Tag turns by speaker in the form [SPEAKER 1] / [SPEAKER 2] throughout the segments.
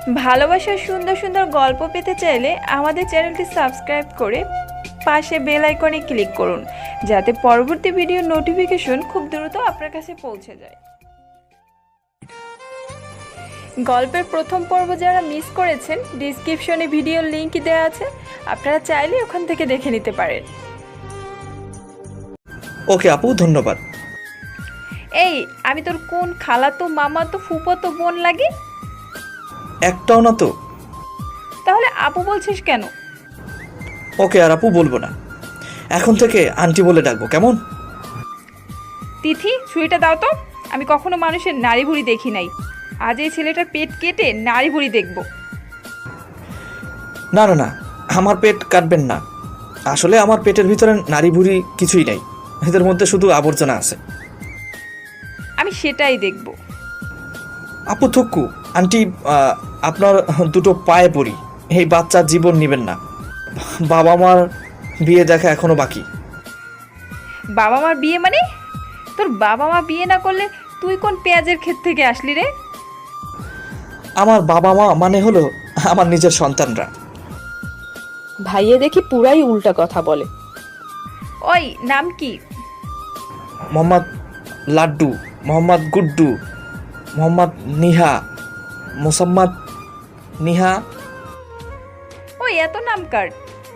[SPEAKER 1] ভালোবাসার সুন্দর সুন্দর গল্প পেতে চাইলে আমাদের চ্যানেলটি সাবস্ক্রাইব করে পাশে বেল আইকনে ক্লিক করুন, যাতে পরবর্তী ভিডিওর নোটিফিকেশন খুব দ্রুত আপনার কাছে পৌঁছে যায়। গল্পের প্রথম পর্ব যারা মিস করেছেন, ডিসক্রিপশনে ভিডিওর লিংক দেওয়া আছে, আপনারা চাইলে ওখান থেকে দেখে নিতে পারেন।
[SPEAKER 2] ওকে আপু, ধন্যবাদ।
[SPEAKER 1] এই, আমি তোর কোন খালাতো মামাতো ফুফাতো বোন লাগে?
[SPEAKER 2] একটাও না তো।
[SPEAKER 1] তাহলে আপু বলছিস কেন?
[SPEAKER 2] ওকে, আর আপু বলবো না, এখন থেকে আন্টি বলে ডাকবো, কেমন?
[SPEAKER 1] তিথি, ছুরিটা দাও তো। আমি কখনো মানুষের নাড়ি ভুড়ি দেখি নাই, আজ এই ছেলেটার পেট কেটে নাড়ি ভুড়ি দেখব।
[SPEAKER 2] না না না, আমার পেট কাটবেন না। আসলে আমার পেটের ভিতরে নাড়ি ভুড়ি কিছুই নাই, এদের মধ্যে শুধু আবর্জনা আছে।
[SPEAKER 1] আমি সেটাই দেখব।
[SPEAKER 2] আপু থুক্কু, আন্টি আপনার দুটো পায়ে পড়ি, এই বাচ্চার জীবন নেবেন না। বাবা মার বিয়ে দেখা এখনো বাকি।
[SPEAKER 1] বাবা মার বিয়ে মানে? তোর বাবা মা বিয়ে না করলে তুই কোন পেঁয়াজের ক্ষেত থেকে আসলি রে?
[SPEAKER 2] আমার বাবা মা মানে হলো আমার নিজের সন্তানরা।
[SPEAKER 3] ভাইয়ে দেখি পুরাই উল্টা কথা বলে।
[SPEAKER 1] ওই, নাম কি?
[SPEAKER 2] মোহাম্মদ লাড্ডু, মোহাম্মদ গুড্ডু, মোহাম্মদ নিহা, মোসাম্মদ নিহা।
[SPEAKER 1] ওই, এত নাম কার?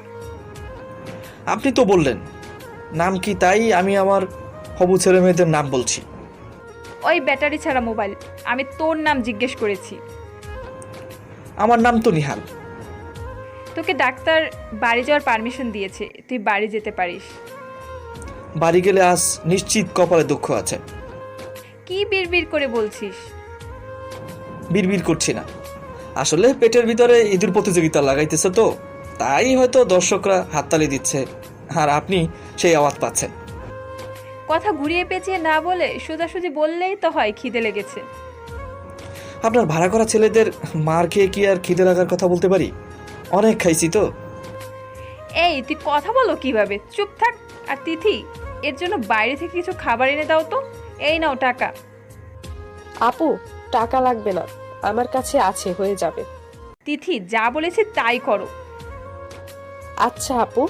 [SPEAKER 2] আপনি তো বললেন নাম কি, তাই আমি আমার হবু ছেলে মেয়েদের নাম বলছি।
[SPEAKER 1] ওই ব্যাটারি ছাড়া মোবাইল, আমি তোর নাম জিজ্ঞেস করেছি।
[SPEAKER 2] আমার নাম তো নিহাল।
[SPEAKER 1] তোকে ডাক্তার বাড়ি যাওয়ার পারমিশন দিয়েছে, তুই বাড়ি যেতে পারিস।
[SPEAKER 2] বাড়ি গেলে আজ নিশ্চিত কপালে দুঃখ আছে।
[SPEAKER 1] কি বিড়বিড় করে বলছিস?
[SPEAKER 2] বিড়বিড় করছি না, আসলে পেটের ভিতরে ইঁদুর প্রতিযোগিতা লাগাইতেছে তো, তাই হয়তো দর্শকরা হাততালি দিচ্ছে আর আপনি সেই আওয়াজ পাচ্ছেন।
[SPEAKER 1] কথা ঘুরিয়ে পেঁচিয়ে না বলে সোজাসুজি বললেই তো হয় খিদে লেগেছে।
[SPEAKER 2] আপনার ভাড়া করা ছেলেদের মার খেয়ে কি আর খিদে লাগার কথা বলতে পারি? অনেক খাইছি তো।
[SPEAKER 1] এই, তুই কথা বলো কিভাবে? চুপ থাক। আর তিথি, এর জন্য বাইরে থেকে কিছু খাবার এনে দাও তো। এই নাও টাকা।
[SPEAKER 3] আপু, টাকা লাগবে না, আমার কাছে আছে, হয়ে যাবে।
[SPEAKER 1] তিথি, যা বলেছি তাই করো।
[SPEAKER 3] আচ্ছা আপু।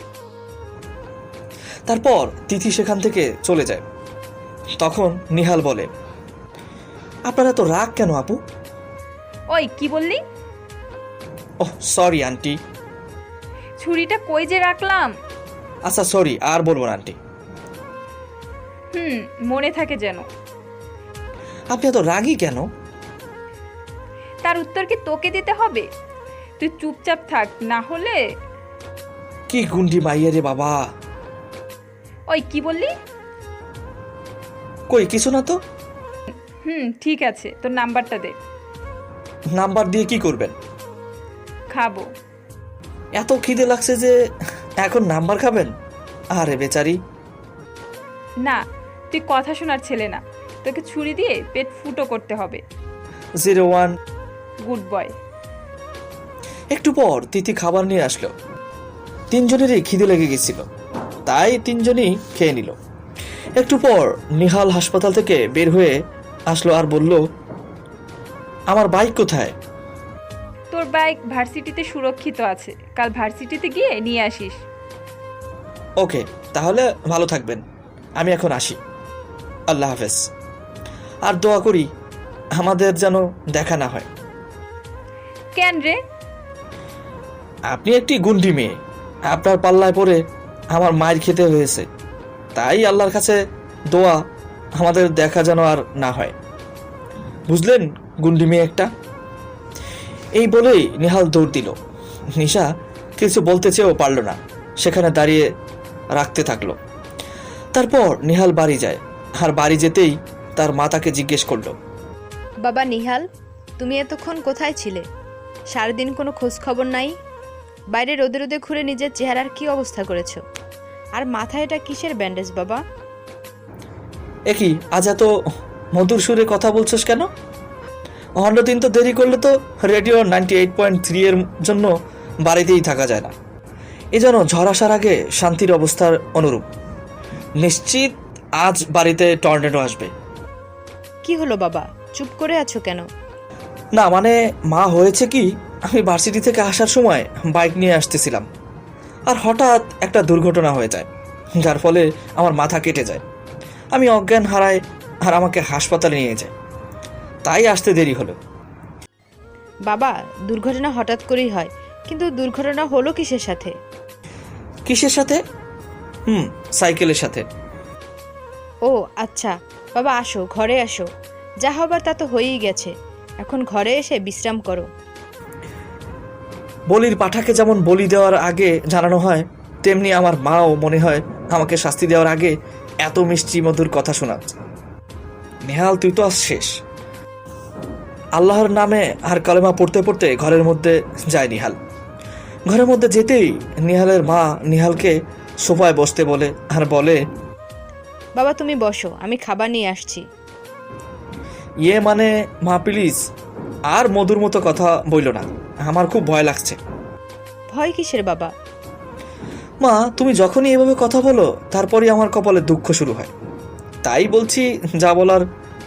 [SPEAKER 2] তারপর তিথি সেখান থেকে চলে যায়। তখন নিহাল বলে, আপনারা তো রাগ কেন আপু?
[SPEAKER 1] ওই, কি বললি?
[SPEAKER 2] ওহ সরি আন্টি।
[SPEAKER 1] ছুরিটা কই যে রাখলাম?
[SPEAKER 2] আচ্ছা সরি, আর বলবো না আন্টি।
[SPEAKER 1] মনে থাকে যেন।
[SPEAKER 2] আপনি এত রাগী কেন?
[SPEAKER 1] তার উত্তর কি তোকে দিতে হবে? তুই চুপচাপ থাক, না হলে।
[SPEAKER 2] কি গুন্ডি মাইয়া রে বাবা।
[SPEAKER 1] ওই, কি বললি?
[SPEAKER 2] কই কিছু না তো।
[SPEAKER 1] ঠিক আছে, তোর নাম্বারটা দে।
[SPEAKER 2] নাম্বার দিয়ে কি করবেন?
[SPEAKER 1] খাবো।
[SPEAKER 2] এত খিদে লাগছে যে এখন নাম্বার খাবেন? আরে বেচারি।
[SPEAKER 1] না, তুই কথা শোনার ছেলে না, তোকে ছুরি দিয়ে পেট ফুটো করতে হবে।
[SPEAKER 2] 01।
[SPEAKER 1] Good boy.
[SPEAKER 2] একটু পর তিথি খাবার নিয়ে আসলো। তিনজনেরই খিদে লেগে গেছিল, তাই তিনজনই খেয়ে নিল। একটু পর নিহাল হাসপাতাল থেকে বের হয়ে আসলো আর বলল, আমার বাইক কোথায়?
[SPEAKER 1] তোর বাইক ভার্সিটিতে সুরক্ষিত আছে, কাল ভার্সিটিতে গিয়ে নিয়ে আসিস।
[SPEAKER 2] ওকে, তাহলে ভালো থাকবেন, আমি এখন আসি। আল্লাহ হাফেজ। আর দোয়া করি আমাদের যেন দেখা না হয়।
[SPEAKER 1] কেন রে?
[SPEAKER 2] আপনি একটি গুন্ডি মেয়ে, আপনার পাল্লায় পড়ে আমার মায়ের খেতে হয়েছে, তাই আল্লাহর কাছে দোয়া আমাদের দেখা যেন আর না হয়, বুঝলেন গুন্ডি মেয়ে একটা। এই বলেই নিহাল দৌড় দিল। নিশা কিছু বলতে চেয়েও পারল না, সেখানে দাঁড়িয়ে রাখতে থাকলো। তারপর নিহাল বাড়ি যায়, আর বাড়ি যেতেই তার মা তাকে জিজ্ঞেস করলো,
[SPEAKER 4] বাবা নিহাল, তুমি এতক্ষণ কোথায় ছিলে? সারাদিন কোনো খোঁজ খবর নাই। বাইরে রোদে রোদে ঘুরে নিজের চেহারার কি অবস্থা করেছো? আর মাথায় এটা কিসের ব্যান্ডেজ বাবা?
[SPEAKER 2] একই আজ এত মধুর সুরে কথা বলছস কেন? অন্যদিন তো দেরি করলে তো রেডিও 98.3 এর জন্য বাড়িতেই থাকা যায় না, এজন্য ঝড় আসার আগে শান্তির অবস্থার অনুরূপ। নিশ্চিত আজ বাড়িতে টর্নেডো আসবে।
[SPEAKER 4] কি হলো বাবা, চুপ করে আছো কেন?
[SPEAKER 2] না মানে মা হয়েছে কি, আমি ভার্সিটি থেকে আসার সময় বাইক নিয়ে আসতেছিলাম, আর হঠাৎ একটা দুর্ঘটনা হয়ে যায়, যার ফলে আমার মাথা কেটে যায়। আমি অজ্ঞান হারাই আর আমাকে হাসপাতালে নিয়ে যায়, তাই আসতে দেরি হলো।
[SPEAKER 4] বাবা, দুর্ঘটনা হঠাৎ করেই হয়, কিন্তু দুর্ঘটনা হলো কিসের সাথে?
[SPEAKER 2] কিসের সাথে? সাইকেলের সাথে।
[SPEAKER 4] ও আচ্ছা, বাবা আসো, ঘরে আসো। যা হবার তা তো হয়েই গেছে, এখন ঘরে এসে বিশ্রাম করো।
[SPEAKER 2] বলির পাঠাকে যেমন বলি দেওয়ার আগে জানানো হয়, তেমনি আমার মাও মনে হয় আমাকে শাস্তি দেওয়ার আগে এত মিষ্টি মধুর কথা শোনাচ্ছে। নেহাল, তুই তো আজ শেষ। আল্লাহর নামে আর কালেমা পড়তে পড়তে ঘরের মধ্যে যায় নিহাল। ঘরের মধ্যে যেতেই নিহালের মা নিহালকে সোফায় বসতে বলে আর বলে,
[SPEAKER 4] বাবা তুমি বসো, আমি খাবার নিয়ে আসছি।
[SPEAKER 2] ইয়ে মানে মা প্লিজ আর মধুর মতো কথা বইল না, আমার খুব ভয় লাগছে।
[SPEAKER 4] ভয় কিসের বাবা?
[SPEAKER 2] মা, তুমি যখনই এভাবে কথা বলো তারপরই আমার কপালে দুঃখ শুরু হয়। তাই বলছি, যা বলার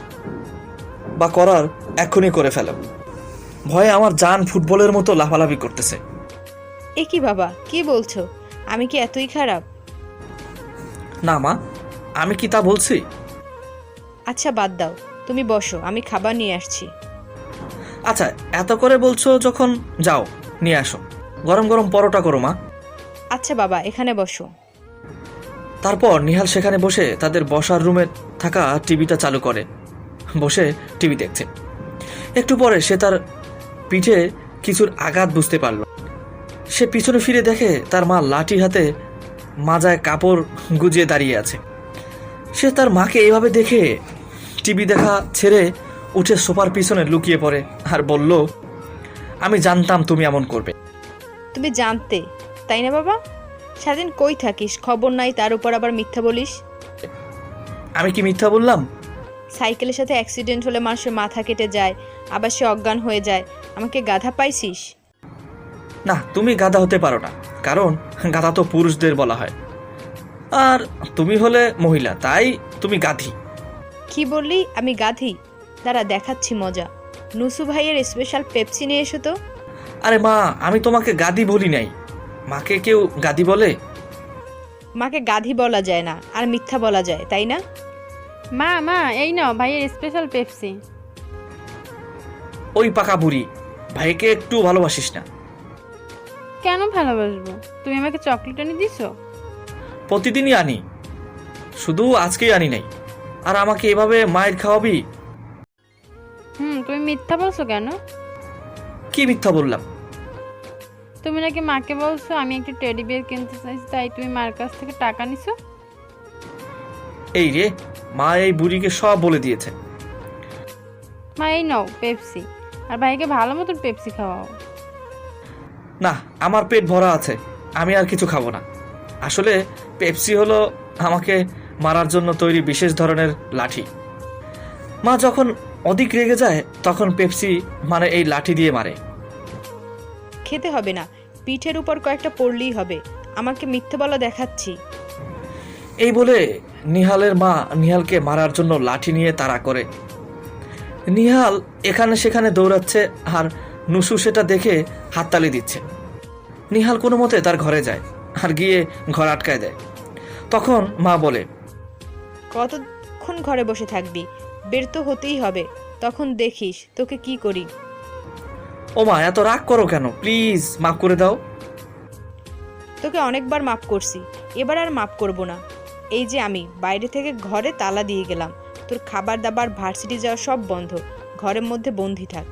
[SPEAKER 2] বা করার এক্ষুনি করে ফেলো। ভয়ে আমার জান ফুটবলের মতো লাফালাফি করতেছে।
[SPEAKER 4] এ কি বাবা, কি বলছো? আমি কি এতই খারাপ?
[SPEAKER 2] না মা, আমি কি তা বলছি?
[SPEAKER 4] আচ্ছা বাদ দাও, তুমি বসো, আমি খাবার নিয়ে আসছি।
[SPEAKER 2] আচ্ছা, এত করে বলছো যখন, যাও নিয়ে আসো। গরম গরম পরোটা করো মা।
[SPEAKER 4] আচ্ছা বাবা, এখানে বসো।
[SPEAKER 2] তারপর নিহাল সেখানে বসে তাদের বসার রুমে থাকা টিভিটা চালু করে বসে টিভি দেখছে। একটু পরে সে তার পিঠে কিছুর আঘাত বুঝতে পারল। সে পিছনে ফিরে দেখে তার মা লাঠি হাতে মাজায় কাপড় গুজিয়ে দাঁড়িয়ে আছে। সে তার মাকে এইভাবে দেখে টিভি দেখা ছেড়ে উঠে সোফার পিছনে লুকিয়ে পড়ে আর বলল, আমি জানতাম তুমি এমন করবে।
[SPEAKER 4] তুমি জানতে, তাই না বাবা? সারাদিন কই থাকিস, খবর নাই, তার উপর আবার মিথ্যা বলিস।
[SPEAKER 2] আমি কি মিথ্যা বললাম?
[SPEAKER 4] সাইকেলের সাথে অ্যাক্সিডেন্ট হলে মানুষের মাথা কেটে যায়, আবার সে অজ্ঞান হয়ে যায়। আমাকে গাধা পাইছিস?
[SPEAKER 2] না, তুমি গাধা হতে পারো না, কারণ গাধা তো পুরুষদের বলা হয়, আর তুমি হলে মহিলা, তাই তুমি গাধি।
[SPEAKER 4] কি বললি? আমি গাধি? দাঁড়া, দেখাচ্ছি মজা। নুসু ভাইয়ের স্পেশাল পেপসি নিয়ে এসো তো।
[SPEAKER 2] আরে মা, আমি তোমাকে গাধি বলি নাই। মাকে কেউ গাধি বলে?
[SPEAKER 4] মাকে গাধি বলা যায় না, আর মিথ্যা বলা যায়, তাই না?
[SPEAKER 5] মা মা এই নাও ভাইয়ের স্পেশাল পেপসি।
[SPEAKER 2] ওই পাকা বুড়ি, ভাইকে একটু ভালোবাসিস না?
[SPEAKER 5] কেন ভালোবাসবো? তুমি আমাকে চকলেট এনে দিছো।
[SPEAKER 2] প্রতিদিনই আনি, শুধু আজকেই আনি নাই। আর আমাকে এভাবে মায়ের খাওয়াবি?
[SPEAKER 5] তুমি মিথ্যা বলছো কেন?
[SPEAKER 2] কি মিথ্যা বললাম?
[SPEAKER 5] তুমি নাকি মাকে বলছো আমি একটা টেডি বিয়ার কিনতে চাইছি, তাই তুমি মার কাছ থেকে টাকা নিছো।
[SPEAKER 2] এই রে, মা এই বুড়িকে সব বলে দিয়েছে।
[SPEAKER 5] মা এই নাও পেপসি, আর ভাইকে ভালো মতন পেপসি খাওয়াও।
[SPEAKER 2] না, আমার পেট ভরা আছে, আমি আর কিছু খাবো না। আসলে পেপসি হলো আমাকে মারার জন্য তৈরি বিশেষ ধরনের লাঠি। মা যখন অধিক রেগে যায় তখন পেপসি মানে এই লাঠি দিয়ে মারে।
[SPEAKER 4] খেতে হবে না, পিঠের উপর কয়েকটা পড়লেই হবে। আমাকে মিথ্যে বলা দেখাচ্ছি।
[SPEAKER 2] এই বলে নিহালের মা নিহালকে মারার জন্য লাঠি নিয়ে তাড়া করে। নিহাল এখানে সেখানে দৌড়াচ্ছে আর নুসু সেটা দেখে হাততালি দিচ্ছে। নিহাল কোনো মতে তার ঘরে যায় আর গিয়ে ঘর আটকায় দেয়। তখন মা বলে,
[SPEAKER 4] কতক্ষণ ঘরে বসে থাকবি? বের তো হতেই হবে, তখন দেখিস তোকে কি করি।
[SPEAKER 2] ও মা, এত রাগ করো কেন? প্লিজ মাফ করে দাও।
[SPEAKER 4] তোকে অনেকবার মাফ করছি, এবার আর মাফ করব না। এই যে আমি বাইরে থেকে ঘরে তালা দিয়ে গেলাম, তোর খাবার দাবার ভার্সিটি যাওয়া সব বন্ধ, ঘরের মধ্যে বন্দি থাক।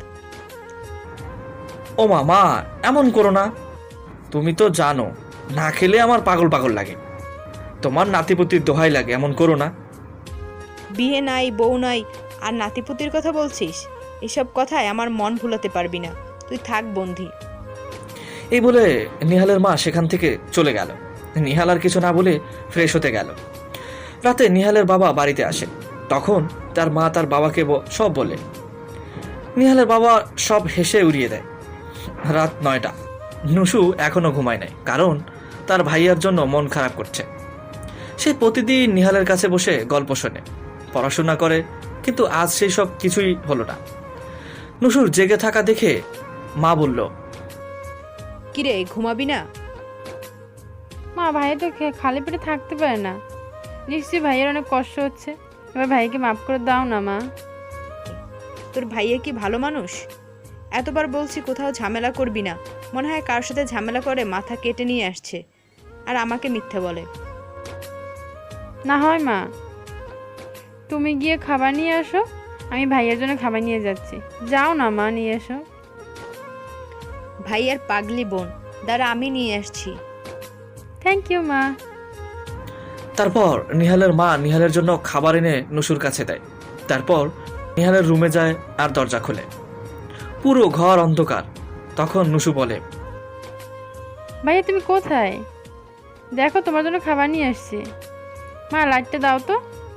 [SPEAKER 2] ও মা, মা এমন করো না। তুমি তো জানো না খেলে আমার পাগল পাগল লাগে। তোমার নাতিপুতির দোহাই লাগে, এমন করো না।
[SPEAKER 4] বিয়ে নাই, বউ নাই, আর নাতিপুতির কথা বলছিস? এসব কথায় আমার মন ভুলাতে পারবি না, তুই থাক বন্ধি।
[SPEAKER 2] এই বলে নিহালের মা সেখান থেকে চলে গেল। নিহাল আর কিছু না বলে ফ্রেশ হতে গেল। রাতে নিহালের বাবা বাড়িতে আসে। তখন তার মা তার বাবাকে সব বলে। নিহালের বাবা সব হেসে উড়িয়ে দেয়। রাত 9টা। নুসু এখনো ঘুমায় নাই, কারণ তার ভাইয়ার জন্য মন খারাপ করছে। সে প্রতিদিন নিহালের কাছে বসে গল্প শোনে, পড়াশোনা করে, কিন্তু আজ সেই সব কিছুই হলো না। নুসুর জেগে থাকা দেখে মা বলল,
[SPEAKER 4] কিরে ঘুমাবি না?
[SPEAKER 5] মা ভাই তো খালি পেটে থাকতে পারে না, নিশ্চয়ই ভাইয়ের অনেক কষ্ট হচ্ছে, এবার ভাইকে মাফ করে দাও না মা।
[SPEAKER 4] তোর ভাইয়া কি ভালো মানুষ? এতবার বলছি কোথাও ঝামেলা করবি না, মনে হয় কার সাথে ঝামেলা করে মাথা কেটে নিয়ে আসছে, আর আমাকে মিথ্যে বলে।
[SPEAKER 5] না হয় মা, তুমি গিয়ে খাবার নিয়ে আসো, আমি ভাইয়ের জন্য খাবার নিয়ে যাচ্ছি। যাও না মা, নিয়ে এসো।
[SPEAKER 4] ভাইয়ার পাগলি বোন, দাঁড়া আমি নিয়ে আসছি।
[SPEAKER 5] থ্যাংক ইউ মা।
[SPEAKER 2] তারপর নিহালের মা নিহালের জন্য খাবার এনে নুসুর কাছে দেয়। তারপর নিহালের রুমে যায় আর দরজা খোলে। পুরো ঘর অন্ধকার। তখন নুসু বলে,
[SPEAKER 5] ভাইয়া তুমি কোথায়? দেখো তোমার জন্য খাবার নিয়ে আসছি। মা লাইটটা দাও তো।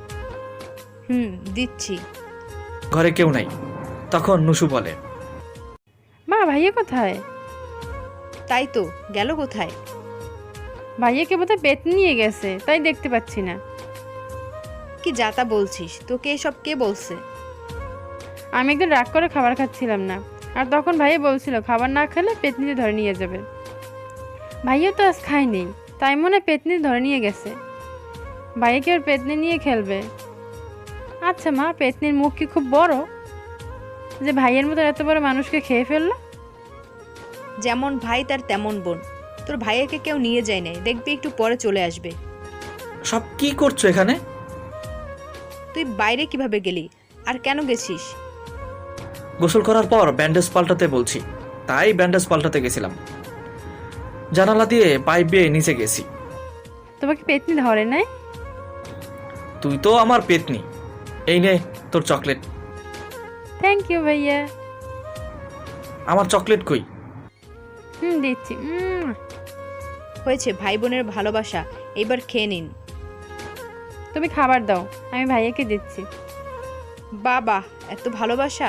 [SPEAKER 4] দিচ্ছি।
[SPEAKER 2] ঘরে কেউ নাই। তখন নুসু বলে,
[SPEAKER 5] মা ভাইয়া কোথায়?
[SPEAKER 4] তাই তো, গেল কোথায়?
[SPEAKER 5] ভাইয়াকে বোধহয় পেতনি নিয়ে গেছে, তাই দেখতে পাচ্ছি না।
[SPEAKER 4] কি যাতা বলছিস? তোকে এসব কে বলছে?
[SPEAKER 5] আমি একদিন রাগ করে খাবার খাচ্ছিলাম না, আর তখন ভাইয়া বলছিল খাবার না খেলে পেতনিতে ধরে নিয়ে যাবে। ভাইয়া তো আজ খায়নি, তাই মনে হয় পেতনি ধরে নিয়ে গেছে। ভাইয়া কি আর পেতনি নিয়ে খেলবে? আচ্ছা মা, পেতনির মুখ কি খুব বড় যে ভাইয়ের মতো এত বড় মানুষকে খেয়ে ফেললো?
[SPEAKER 4] যেমন ভাই তার তেমন বোন। তোর ভাইয়াকে কেউ নিয়ে যায় নাই, দেখবি একটু পরে চলে আসবে।
[SPEAKER 2] সব কি করছো এখানে?
[SPEAKER 4] তুই বাইরে কিভাবে গেলি, আর কেন গেছিস?
[SPEAKER 2] গোসল করার পর ব্যান্ডেজ পাল্টাতে বলছি, তাই ব্যান্ডেজ পাল্টাতে গেছিলাম। জানালা দিয়ে পাইপ বেয়ে নিচে গেছি।
[SPEAKER 5] তোমাকে পেতনি ধরে নাই?
[SPEAKER 2] তুই তো আমার পেতনি। এই নে তোর চকলেট।
[SPEAKER 5] থ্যাংক ইউ ভাইয়া।
[SPEAKER 2] আমার চকলেট কই?
[SPEAKER 5] দিচ্ছি।
[SPEAKER 4] হয়েছে, ভাই বোনের ভালোবাসা, এবার খেয়ে নিন।
[SPEAKER 5] তুমি খাবার দাও, আমি ভাইয়াকে দিচ্ছি।
[SPEAKER 4] বাবা, এত ভালোবাসা!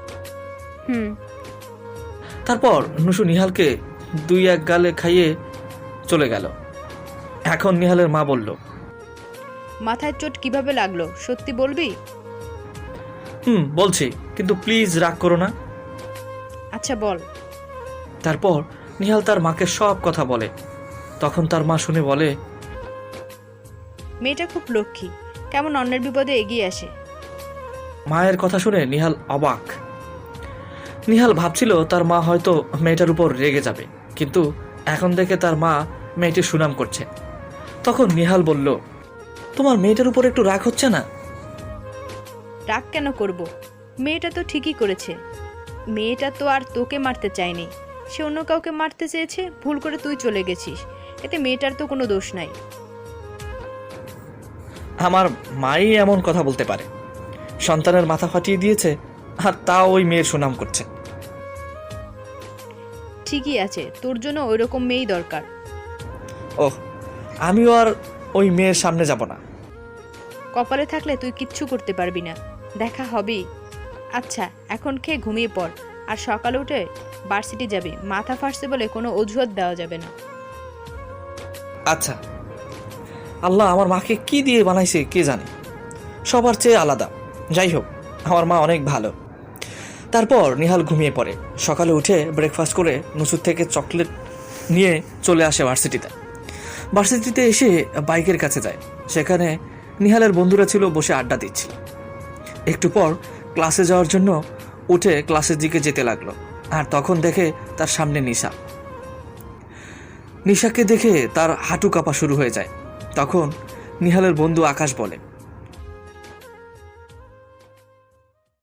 [SPEAKER 2] তারপর নুসু নিহালকে 2-1 গালে খাইয়ে চলে গেল। এখন নিহালের মা বলল,
[SPEAKER 4] মাথায় চোট কিভাবে লাগলো সত্যি বলবি?
[SPEAKER 2] বলছি, কিন্তু প্লিজ রাগ করো না।
[SPEAKER 4] আচ্ছা বল।
[SPEAKER 2] তারপর নিহাল তার মাকে সব কথা বলে। তখন তার মা শুনে বলে,
[SPEAKER 4] মেয়েটা খুব লক্ষ্মী, কেমন অন্যের বিপদে এগিয়ে আসে।
[SPEAKER 2] মায়ের কথা শুনে নিহাল অবাক। নিহাল ভাবছিল তার মা হয়তো মেয়েটার উপর রেগে যাবে, কিন্তু এখন দেখে তার মা মেয়েটির সুনাম করছে। তখন নিহাল বলল, তোমার মেয়েটার উপর একটু রাগ হচ্ছে না?
[SPEAKER 4] রাগ কেন করব? মেয়েটা তো ঠিকই করেছে। মেয়েটা তো আর তোকে মারতে চায়নি, সে অন্য কাউকে মারতে চেয়েছে, ভুল করে তুই চলে গেছিস, এতে মেয়েটার তো কোনো দোষ নাই।
[SPEAKER 2] আমার মাই এমন কথা বলতে পারে? সন্তানের মাথা ফাটিয়ে দিয়েছে, আর তাও ওই মেয়ের সুনাম করছে।
[SPEAKER 4] ঠিকই আছে, তোর জন্য ওইরকম মেয়েই দরকার।
[SPEAKER 2] ওহ, আমিও আর ওই মেয়ের সামনে যাব না।
[SPEAKER 4] কপালে থাকলে তুই কিচ্ছু করতে পারবি না, দেখা হবেই। আচ্ছা এখন খেয়ে ঘুমিয়ে পড়, আর সকালে উঠে ভার্সিটি যাবি, মাথা ফাটছে বলে কোনো অজুহাত দেওয়া যাবে না।
[SPEAKER 2] আচ্ছা। আল্লাহ আমার মাকে কি দিয়ে বানাইছে কে জানে, সবার চেয়ে আলাদা। যাই হোক, আমার মা অনেক ভালো। তারপর নিহাল ঘুমিয়ে পড়ে। সকালে উঠে ব্রেকফাস্ট করে নুসুর থেকে চকলেট নিয়ে চলে আসে ভার্সিটিতে। ভার্সিটিতে এসে বাইকের কাছে যায়। সেখানে নিহালের বন্ধুরা ছিল, বসে আড্ডা দিচ্ছিল। একটু পর ক্লাসে যাওয়ার জন্য উঠে ক্লাসের দিকে যেতে লাগলো, আর তখন দেখে তার সামনে নিশা। নিশাকে দেখে তার হাঁটু কাঁপা শুরু হয়ে যায়। তখন নিহালের বন্ধু আকাশ বলে,